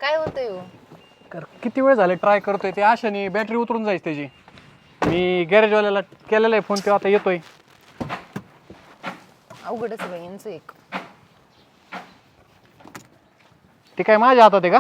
काय होतंय हो? किती वेळ झाले ट्राय करतोय ते आशाने बॅटरी उतरून जायची त्याची. मी गॅरेजवाल्याला केलेला आहे फोन, तो आता येतोय. अवघडच आहे बाई यांचं एक. ते काय माझ्या हातात आहे का?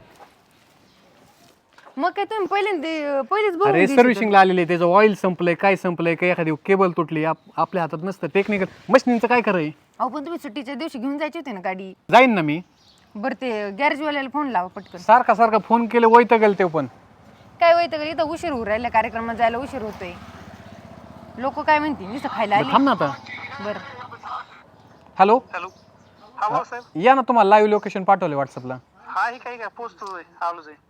मग काय तुम्ही पहिलेच बघून अरे घ्यायची सर्व्हिसिंगला आलेले आहे, त्याचं ऑइल संपलंय, काय संपलंय, काय एखादी केबल तुटली, आपल्या हातात नसतं. टेक्निकल मशीनचं काय करायचं? अहो पण तुम्ही सुट्टीच्या दिवशी घेऊन जायची होती ना गाडी. जाईन ना मी. बरं ते गॅरेजवाल्याला फोन लावा पटकन. सारखा फोन केले वैताग गेल ते पण. काय होतं का इथं उशीर होऊ राहिला, कार्यक्रमात जायला उशीर होतोय. लोक काय म्हणतील नुसतं खायला आली. थांब ना आता. बरं हॅलो हॅलो. हा बोल साहेब. या ना, तुम्हाला लाईव्ह लोकेशन पाठवले व्हॉट्सअपला. हा हे काय पोचतोय आलोच आहे.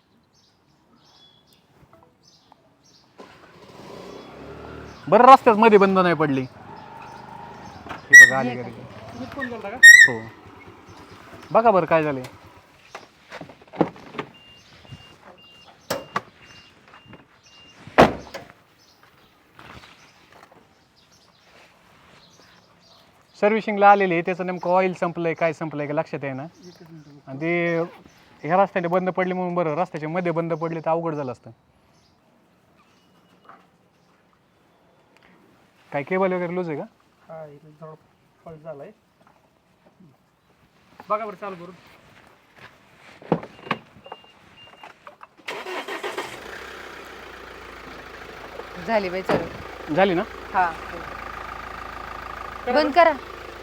बरं रस्त्यात मध्ये बंद नाही पडली. हे बघा आली गाडी. हो बघा बरं काय झालंय. सर्व्हिसिंगला आलेली आहे, त्याचं नेमकं ऑइल संपलंय, काय संपलंय का लक्षात आहे ना. आणि ते ह्या रस्त्याने बंद पडली म्हणून बरं, रस्त्याच्या मध्ये बंद पडली तर अवघड झालं असतं. काय केबल वगैरे लूज आहे का? हा इथे थोडा फॉल्ट झालाय. बघा बरं चालू करून. झाली बाई चालू. झाली ना? हा बंद करा.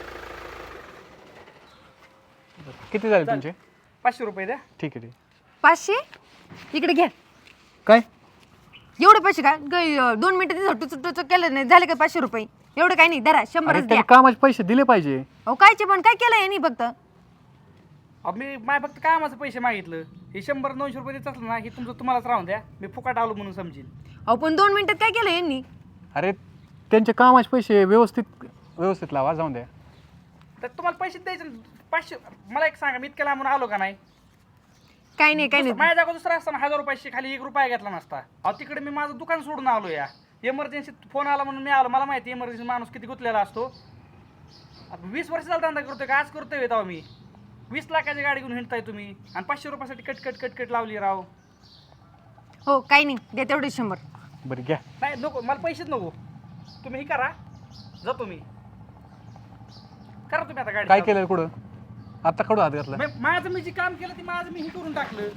किती झाले तुमचे? 500 रुपये द्या. ठीक आहे. 500 इकडे घ्या. काय एवढे पैसे का 2 मिनिटं टुचक केलं नाही झाले का 500 रुपये? एवढं काय नाही, धरा 100च द्या. त्याने कामाचे पैसे दिले पाहिजे. अहो कायचे पण काय केलं यांनी फक्त? मी माय फक्त कामाचं पैसे मागितलं. हे 100-200 रुपये देत असलं ना, हे तुमचं तुम्हालाच राहून द्या. मी फुकाट आलो म्हणून समजेल. अहो पण 2 मिनिटात काय केलं यांनी? अरे त्यांचे कामाचे पैसे व्यवस्थित लावा, जाऊन द्या. तर तुम्हाला पैसे द्यायचे ना. 500 मला एक सांगा, मी इतक्या लांबून आलो का नाही? काय नाही काय नाही. माझ्या जागा दुसरा असताना 1000 रुपयाशी खाली 1 रुपया घेतला नसता. अहो तिकडे मी माझं दुकान सोडून आलो या. इमर्जन्सी फोन आला म्हणून मी आलो. मला माहिती इमर्जन्सी माणूस किती गुंतलेला असतो. 20 वर्ष झाला धंदा करतोय का आज करतोय तेव्हा मी. 20 लाखाची गाडी घेऊन हिंडताय तुम्ही आणि 500 रुपयासाठी कट लावली राव. हो काही नाही, द्या तेवढे 100. बरं घ्या. नाही नको, मला पैसेच नको. तुम्ही हे करा, जातो मी. करा तुम्ही आता गाडी काय चालू. केलं कुठं? आता कडू हात घातला. माझं मी जे काम केलं ते माझं मी हे करून टाकलं.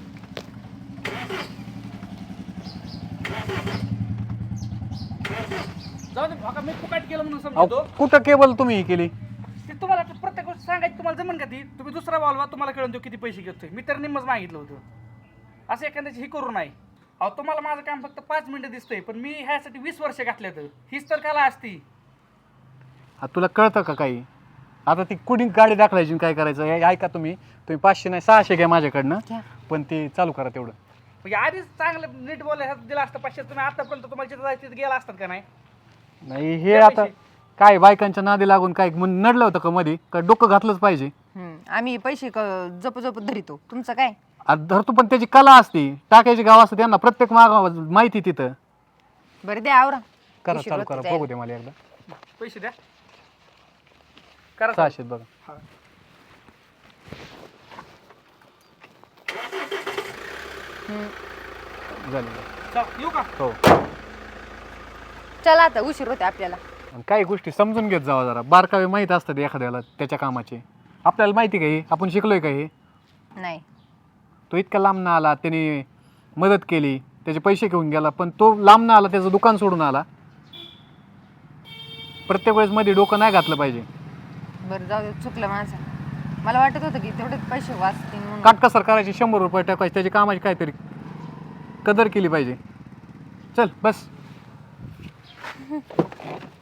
जाऊ दे, बघा मी फुकाट केलं म्हणून समजतो. कुठं केबल तुम्ही ही केली? ते तुम्हाला आता प्रत्येक गोष्ट सांगायची तुम्हाला जमन का ती? तुम्ही दुसरा बोलवा, तुम्हाला कळून देऊ किती पैसे घेतोय. मी तर निम्मच मागितलं होतं. असं एखाद्याची ही करू नाही. अहो तुम्हाला माझं काम फक्त 5 मिनिटं दिसतंय, पण मी ह्यासाठी 20 वर्ष घातले तर हीच तर कला असती. तुला कळतं का काही? आता ती कुणी गाडी दाखवायची काय करायचं हे ऐका. तुम्ही 500 नाही 600 घ्या माझ्याकडनं, पण ते चालू करा तेवढं. म्हणजे आधीच चांगलं नीट बोलायला दिलं असतं 500. तुम्ही आतापर्यंत तुम्हाला जिथं जायचं तिथं गेला असतात का नाही? नाही हे आता काय बायकांच्या नादी लागून काय नडलं होतं का मध्ये? का डोकं घातलंच पाहिजे? आम्ही पैसे जप धरितो, तुमचं काय? आता धरतो, पण त्याची कला असते, टाकायची गाव असते त्यांना, प्रत्येक माहिती तिथं. बरं द्या आवरा. करा चालू करा, बघू दे मला एकदा. पैसे द्या. करा 600 बघा. झाले. चल येऊ का? हो. चला आता उशीर होते आपल्याला. आणि काही गोष्टी समजून घेत जावा जरा. बारकावे माहीत असतात एखाद्याला त्याच्या कामाचे. आपल्याला माहिती का हे? आपण शिकलोय का हे? नाही. तो इतका लांब ना आला, त्याने मदत केली, त्याचे पैसे घेऊन गेला, पण तो लांब ना आला, त्याचं दुकान सोडून आला. प्रत्येक वेळेस मध्ये डोकं नाही घातलं पाहिजे. बरं जाऊ दे, चुकलं माझं. मला वाटत होतं की तेवढे पैसे वाचतील म्हणून. काटकसर करायची, 100 रुपये टाकायचे, त्याची कामाची काहीतरी कदर केली पाहिजे. चल बस.